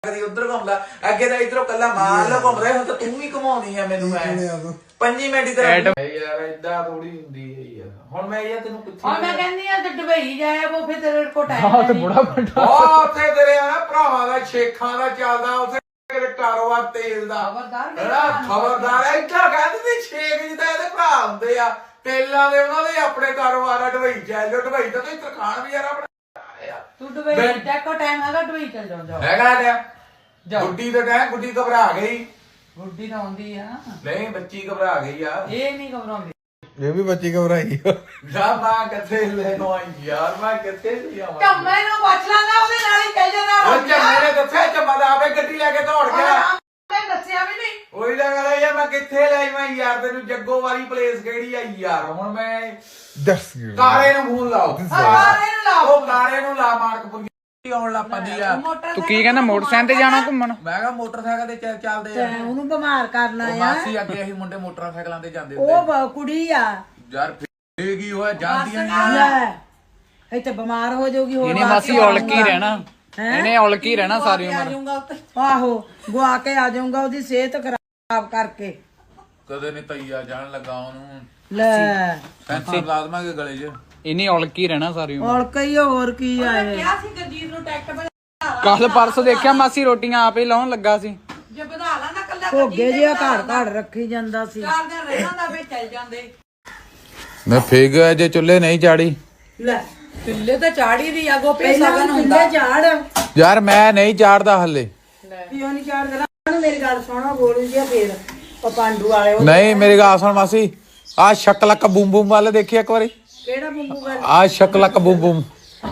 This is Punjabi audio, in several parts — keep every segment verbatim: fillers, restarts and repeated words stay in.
ਕਦੀ ਉਧਰ ਘੁੰਮਦਾ ਅੱਗੇ ਤਾਂ ਇਧਰੋਂ ਕੱਲਾ ਮਾਰ ਲ ਘੁੰਮ ਰਿਹਾ ਹੁਣ ਤਾਂ ਤੂੰ ਵੀ ਘੁਮਾਉਣੀ ਆ ਮੈਨੂੰ ਐ ਪੰਜੀ ਮਿੰਟ ਦੀ ਤਰ੍ਹਾਂ ਯਾਰ ਏਦਾਂ ਥੋੜੀ ਹੁੰਦੀ ਹੈ ਯਾਰ ਹੁਣ ਮੈਂ ਇਹ ਤੈਨੂੰ ਕਿੱਥੇ ਹਾਂ ਮੈਂ ਕਹਿੰਦੀ ਆ ਤੇ ਦੁਬਈ ਜਾਇਆ ਉਹ ਫਿਰ ਤੇਰੇ ਕੋਲ ਟਾਈਮ ਹਾਂ ਤੇ ਬੜਾ ਵੱਡਾ ਉਹ ਉੱਥੇ ਤੇਰੇ ਆ ਭਰਾਵਾਂ ਦਾ ਸ਼ੇਖਾਂ ਦਾ ਚੱਲਦਾ ਉੱਥੇ ਤੇਰੇ ਕਾਰੋਬਾਰ ਤੇਲ ਦਾ ਖਬਰਦਾਰ ਖਬਰਦਾਰ ਏਦਾਂ ਕਹਿੰਦੇ ਸ਼ੇਖ ਜੀ ਤਾਂ ਇਹਦੇ ਭਰਾ ਹੁੰਦੇ ਆ ਤੇਲਾਂ ਦੇ ਉਹਨਾਂ ਦੇ ਆਪਣੇ ਕਾਰੋਬਾਰ ਆ ਦੁਬਈ ਚੱਲ ਜਾਓ ਦੁਬਈ ਤਾਂ ਤੁਸੀਂ ਤਰਖਾਣ ਵੀ ਯਾਰ ਆਪਣਾ ਤੂੰ ਦੁਬਈ ਟੈਕੋ ਟਾਈਮ ਹੈਗਾ ਦੁਬਈ ਚੱਲ ਜਾਓ ਹੈਗਾ ਟਾਈਮ ਗੁੱਡੀ ਦਾ ਟਾਈਮ ਗੁੱਡੀ ਘਬਰਾ ਗਈ ਗੁੱਡੀ ਤਾਂ ਆਉਂਦੀ ਆ ਨਹੀਂ ਬੱਚੀ ਘਬਰਾ ਗਈ ਆ ਇਹ ਨਹੀਂ ਘਬਰਾਉਂਦੀ ਇਹ ਵੀ ਬੱਚੀ ਘਬਰਾਈ ਜਾ ਮੈਂ ਕਿੱਥੇ ਲੈ ਨੂੰ ਆਈ ਯਾਰ ਮੈਂ ਕਿੱਥੇ ਸੀ ਆਵਾਂ ਚੰਮੇ ਨੂੰ ਪੁੱਛ ਲਾਂਗਾ ਉਹਦੇ ਨਾਲ ਹੀ ਚੱਲ ਜਾਣਾ ਉਹ ਚੰਮੇ ਨੇ ਦੱਸਿਆ ਚੰਮਾ ਦਾ ਆਪੇ ਗੱਡੀ ਲੈ ਕੇ ਦੌੜ ਗਿਆ ਮੈਂ ਦੱਸਿਆ ਵੀ ਨਹੀਂ ਉਹੀ ਤਾਂ ਗੱਲ ਹੈ ਯਾਰ ਮੈਂ ਕਿੱਥੇ ਲੈ ਮੈਂ ਯਾਰ ਤੈਨੂੰ ਜੱਗੋ ਵਾਲੀ ਪਲੇਸ ਕਿਹੜੀ ਆ ਯਾਰ ਹੁਣ ਮੈਂ ਦੱਸ ਕਾਰੇ ਨੂੰ ਫੋਨ ਲਾਓ ਕਾਰੇ ਨੂੰ ਲਾਓ ਉਹ ਕਾਰੇ ਨੂੰ ਲਾ ਮਾਰਕਪੁਰ ਆਉਣ ਲੱਗ ਪੈਂਦੀ ਆ ਤੂੰ ਕੀ ਕਹਿੰਦਾ ਮੋਟਰਸਾਈਕਲ ਤੇ ਜਾਣਾ ਘੁੰਮਣ ਮੈਂ ਕਿਹਾ ਮੋਟਰਸਾਈਕਲ ਤੇ ਚੱਲ ਚੱਲਦੇ ਆ ਉਹਨੂੰ ਬਿਮਾਰ ਕਰਨਾ ਉਹ ਆ ਮਾਸੀ ਅੱਗੇ ਅਸੀਂ ਮੁੰਡੇ ਮੋਟਰਸਾਈਕਲਾਂ ਤੇ ਜਾਂਦੇ ਹੁੰਦੇ ਉਹ ਬ- ਕੁੜੀ ਆ ਯਾਰ ਫੇਰ ਕੀ ਹੋਇਆ ਜਾਂਦੀਆਂ ਨਹੀਂ ਲੈ ਇੱਥੇ ਬਿਮਾਰ ਹੋ ਜਾਊਗੀ ਹੋਰ ਇਹਨੇ ਮਾਸੀ ਔਲਕੀ ਰਹਿਣਾ ਇਹਨੇ ਔਲਕੀ ਰਹਿਣਾ ਸਾਰੀ ਆ ਉਮਰ ਜਾਊਗਾ ਉੱਤੇ ਆਹੋ ਗੁਆ ਕੇ ਆ ਜਾਊਗਾ ਉਹਦੀ ਸਿਹਤ ਖਰਾਬ ਕਰਕੇ ਕਦੇ ਨਹੀਂ ਤਈਆ ਜਾਣ ਲੱਗਾ ਉਹਨੂੰ ਲੈ ਪੈਂਸਲ ਲਾ ਦਵਾਂਗੇ ਗਲੇ 'ਚ ਇਹਨੇ ਔਲਕੀ ਰਹਿਣਾ ਸਾਰੀ ਉਮਰ ਔਰ ਕਈ ਹੋਰ ਕੀ ਆ ਇਹ ਕਿਹਾ ਸੀ ਗਰਜੀਤ ਨੂੰ ਟੈਕਟ ਬਣਾ ਕੱਲ ਪਰਸੋਂ ਦੇਖਿਆ ਮਾਸੀ ਰੋਟੀਆਂ ਆਪੇ ਲਾਉਣ ਲੱਗਾ ਸੀ ਜੇ ਵਧਾ ਲਾ ਨਾ ਕੱਲਾ ਭੋਗੇ ਜਿਹਾ ਘਰ ਘਰ ਰੱਖੀ ਜਾਂਦਾ ਸੀ ਚਾਰ ਦਿਨ ਰਹਿਣਾ ਦਾ ਵੇ ਚੱਲ ਜਾਂਦੇ ਮੈਂ ਫੇਗ ਜੇ ਚੁੱਲ੍ਹੇ ਨਹੀਂ ਚਾੜੀ ਲੈ ਚੁੱਲੇ ਤਾਂ ਚਾੜੀ ਦੀ ਆ ਗੋਪੀ ਪਹਿਲਾਂ ਸਗਨ ਵੀ ਹੁੰਦਾ ਚੁੱਲ੍ਹੇ ਝਾੜ ਯਾਰ ਮੈਂ ਨਹੀਂ ਚਾੜਦਾ ਹੱਲੇ ਕਿਉਂ ਨਹੀਂ ਝਾੜ ਕਰਾਂ ਮੇਰੀ ਗੱਲ ਸੁਣੋ ਗੋਲੀ ਜਿਹਾ ਫੇਰ ਉਹ ਪਾਂਡੂ ਵਾਲੇ ਉਹ ਨਹੀਂ ਮੇਰੀ ਗੱਲ ਸੁਣ ਮਾਸੀ ਆ ਸ਼ਕਲਕ ਬੂਮ ਬੂਮ ਵਾਲੇ ਦੇਖੀ ਇੱਕ ਵਾਰੀ ਕਿਹੜਾ ਬੰਬੂ ਗੱਲ ਆ ਸ਼ਕਲਕ ਬੂਮ ਬੂਮ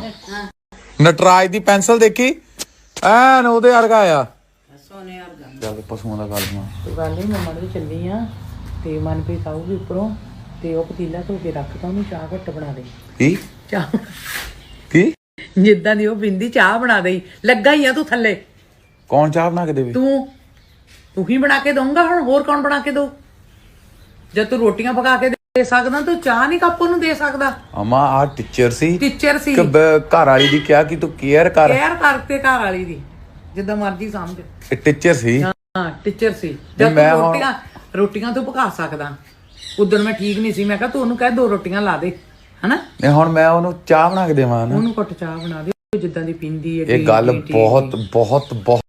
ਨਟਰਾਜ ਦੀ ਪੈਨਸਲ ਦੇਖੀ ਐਨ ਉਹਦੇ ਵਰਗਾ ਆ ਸੋਨੇ ਵਰਗਾ ਚੱਲ ਪਸ਼ੂਆਂ ਦਾ ਗੱਲ ਮਾ ਤੂੰ ਗੱਲ ਨਹੀਂ ਮੈਂ ਮੜ ਚੱਲੀ ਆ ਤੇ ਮਨਪ੍ਰੀਤ ਆਊਗੀ ਉੱਪਰੋਂ ਤੇ ਉਹ ਪਤੀਲਾ ਧੋ ਕੇ ਰੱਖਦਾ ਉਹਨੂੰ ਚਾਹ ਘੱਟ ਬਣਾ ਦੇ ਕੀ ਚਾਹ ਕੀ ਜਿੱਦਾਂ ਦੀ ਉਹ ਬਿੰਦੀ ਚਾਹ ਬਣਾ ਦੇਈ ਲੱਗਾ ਹੀ ਆ ਤੂੰ ਥੱਲੇ ਕੌਣ ਚਾਹ ਬਣਾ ਕੇ ਦੇਵੇ ਤੂੰ ਤੂੰ ਹੀ ਬਣਾ ਕੇ ਦਊਂਗਾ ਹੁਣ ਹੋਰ ਕੌਣ ਬਣਾ ਕੇ ਦਊ ਜਦ ਤੂੰ ਰੋਟੀਆਂ ਪਕਾ ਕੇ ਦੇ ਸਕਦਾ ਤੂੰ ਚਾਹ ਨਹੀਂ ਕੱਪ ਉਹਨੂੰ ਦੇ ਸਕਦਾ ਅਮਾ ਆ ਟੀਚਰ ਸੀ ਟੀਚਰ ਸੀ ਕਿ ਬ- ਘਰ ਵਾਲੀ ਦੀ ਕਿਹਾ ਕਿ ਤੂੰ ਕੇਅਰ ਕਰ ਕੇਅਰ ਕਰਤੇ ਘਰ ਵਾਲੀ ਦੀ ਜਿੱਦਾਂ ਮਰਜ਼ੀ ਸਮਝ ਇਹ ਟੀਚਰ ਸੀ ਹਾਂ ਟੀਚਰ ਸੀ ਜਦ ਮੈਂ ਤੂੰ ਹੁਣ- ਰੋਟੀਆਂ ਰੋਟੀਆਂ ਤੂੰ ਪਕਾ ਸਕਦਾ ਉਦੋਂ ਮੈਂ ਠੀਕ ਨਹੀਂ ਸੀ ਮੈਂ ਕਿਹਾ ਤੂੰ ਉਹਨੂੰ ਕਹਿ ਦੋ ਰੋਟੀਆਂ ਲਾ ਦੇ ਹਨਾ ਇਹ ਹੁਣ ਮੈਂ ਉਹਨੂੰ ਚਾਹ ਬਣਾ ਕੇ ਦੇਵਾਂ ਨਾ ਉਹਨੂੰ ਘੁੱਟ ਚਾਹ ਬਣਾ ਦੇ ਜਿੱਦਾਂ ਦੀ ਪੀਂਦੀ ਹੈ ਇਹ ਗੱਲ ਬਹੁਤ ਬਹੁਤ ਬਹੁਤ